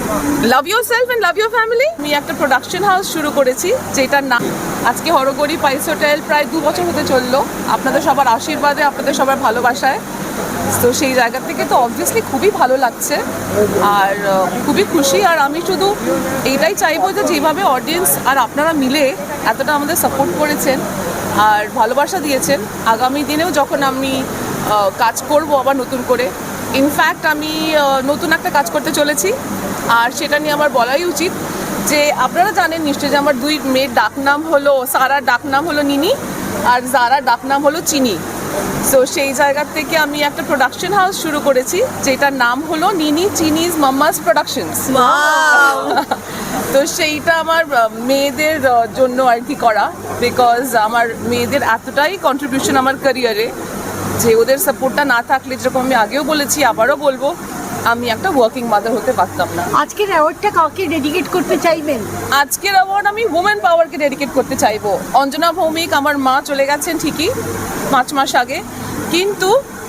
Love yourself and love your family. আমি একটা production house শুরু করেছি যেটার নাম আজকে হরগৌরী পাইস হোটেল। প্রায় 2 বছর হতে চললো, আপনাদের সবার আশীর্বাদে, আপনাদের সবার ভালোবাসায়। তো সেই জায়গা থেকে তো অবভিয়াসলি খুবই ভালো লাগছে আর খুবই খুশি। আর আমি শুধু এইটাই চাইবো যে যেভাবে অডিয়েন্স আর আপনারা মিলে এতটা আমাদের সাপোর্ট করেছেন আর ভালোবাসা দিয়েছেন, আগামী দিনেও যখন আমি কাজ করব আবার নতুন করে, ইনফ্যাক্ট আমি নতুন একটা কাজ করতে চলেছি আর সেটা নিয়ে আমার বলাই উচিত যে আপনারা জানেন নিশ্চয়ই যে আমার 2 মেয়ের ডাকনাম হলো, সারার ডাকনাম হলো নিনি আর জারার ডাকনাম হলো চিনি। সো সেই জায়গা থেকে আমি একটা প্রোডাকশন হাউস শুরু করেছি যেটার নাম হলো নিনি চিনিজ মাম্মাস প্রোডাকশনস। তো সেইটা আমার মেয়েদের জন্য আর কি করা, বিকজ আমার মেয়েদের এতটাই কন্ট্রিবিউশন আমার ক্যারিয়ারে যে ওদের সাপোর্টটা না থাকলে, যেরকম আমি আগেও বলেছি আবারও বলবো, আমি একটা ওয়ার্কিং মাদার হতে পারতাম না। আজকের অ্যাওয়ার্ডটা কাউকে ডেডিকেট করতে চাইবেন? আজকের অ্যাওয়ার্ড আমি ওমেন পাওয়ারকে ডেডিকেট করতে চাইবো। অঞ্জনা ভৌমিক আমার মা চলে গেছেন ঠিকই 5 মাস আগে, কিন্তু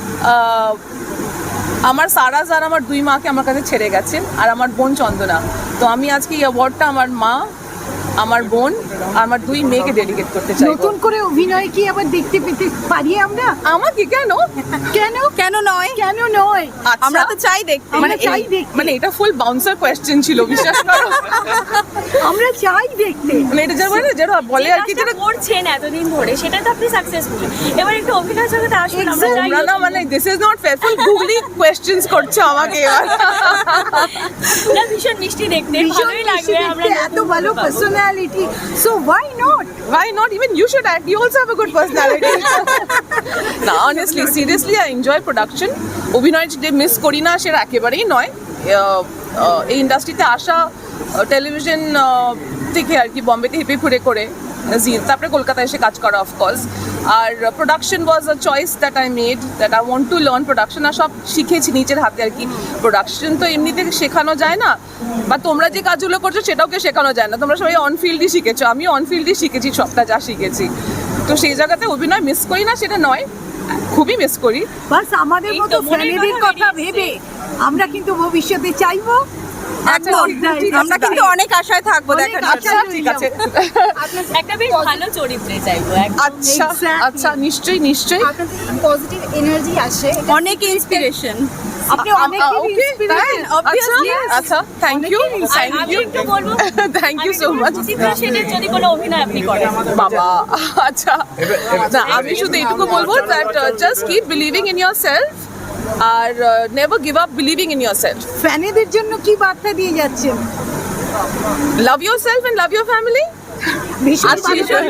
আমার সারা যার আমার 2 মাকে আমার কাছে ছেড়ে গেছেন আর আমার বোন চন্দনা। তো আমি আজকে এই অ্যাওয়ার্ডটা আমার মা, আমার বোন আর আমার 2 মেয়েকে ডেডিকেট করতে চাই। নতুন করে অভিনয় কি আবার দেখতে পেতে পারি আমরা? আমাকে কেন কেন কেন নয়? কেন নয়? আমরা তো চাই দেখতে। মানে এটা ফুল বাউন্সার কোয়েশ্চেন ছিল, বিশ্বাস করো। আমরা চাই দেখতে। মানে এটা যেটা বলে আর কি, যেটা করছেন এতদিন ধরে সেটা তো আপনি সাকসেসফুল। এবার একটু অভিনয় জগতে আসুন, আমরা চাই। না মানে this is not fair, full googly questions করছে আমাকে এবার। না, ভীষণ মিষ্টি দেখতে, ভালোই লাগবে। আমরা এত ভালো personality, so why not? Even you should act, you also have a good personality. না honestly, seriously I enjoy production. অভিনয় যে মিস করি না সেটা একেবারেই নয়। এই ইন্ডাস্ট্রিতে আসা টেলিভিশন থেকে আর কি, বম্বেতে হেঁপে ঘুরে করে, তারপরে কলকাতায় এসে কাজ করা অফকোর্স। আর production was a choice that I made, that I want to learn production. আর সব শিখেছি নিজের হাতে আর কি। প্রোডাকশন তো এমনিতে শেখানো যায় না, বা তোমরা যে কাজগুলো করছো সেটাওকে শেখানো যায় না। তোমরা সবাই অনফিল্ডই শিখেছো, আমি অনফিল্ডই শিখেছি সবটা যা শিখেছি। তো সেই জায়গাতে অভিনয় মিস করি না সেটা নয়, খুবই মিস করি। বাস আমাদের মতো ফ্যামিলির কথা ভেবে আমরা কিন্তু ভবিষ্যতে চাইবো। আমরা কিন্তু অনেক আশায় থাকবো দেখার জন্য। আচ্ছা ঠিক আছে, একটা বেশ ভালো চরিত্রে চাইবো। আচ্ছা আচ্ছা, নিশ্চয়ই পজিটিভ এনার্জি আসে, অনেক ইন্সপিরেশন। আপনি অনেক ইন্সপিরেশন, obviously। আচ্ছা, থ্যাংক ইউ আমি একটু বলবো, thank you so much. Chitra সেনের যদি কোনো অভিনয় আপনি করেন। বাবা আচ্ছা, না আমি শুধু এইটুকু বলবো that just keep believing in yourself আর never give up believing in yourself. ফ্যানেদের জন্য কি বার্তা দিয়ে যাচ্ছেন? Love yourself and love your family. ভীষণ ভালো।